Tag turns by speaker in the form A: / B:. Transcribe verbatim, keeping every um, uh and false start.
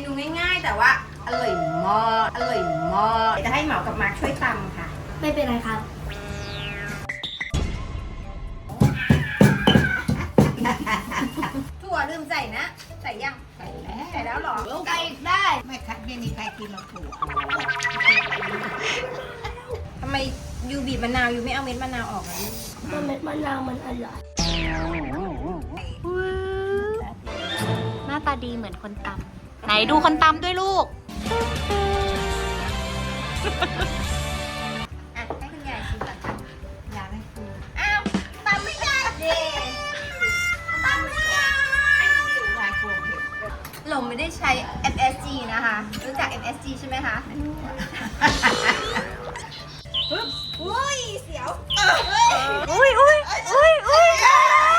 A: นูง่ายๆ แต่ว่าอร่อยมากอร่อยมากจะให้เหมากับมาร์คช่วยตำค่ะ
B: ไม่เป็นไรครับ
A: ถั่วลืมใส่นะใส่ยัง
C: ใส่แล้ว
A: ใส่แล้วหรอ
B: ไก่ได้
C: ไม่คัดไม่มีใครกินหรอกถั่ว
A: ทำไมยูบีบมะนาวยูไม่เอาเม็ดมะนาวออกอ่ะลูก
B: มันเม็ดมะนาวมันอร่อย
D: หน้าตาดีเหมือนคนตำไหนดูคนตำด้วยลูก
A: อ่ะให้คุณยายชิมก่อนค่ะ
C: อยากให้คุณ
A: อ้าวตำไม่ได้เด็ตำไม่ได้
C: ยายกลัวเผ็ด
A: เราไม่ได้ใช้ เอฟ เอส จี นะคะรู้จัก เอฟ เอส จี ใช่ไหมคะปึ๊บอุ้ยเสียว
D: อุ้ยอุ้ยอุ้ยอุ้ย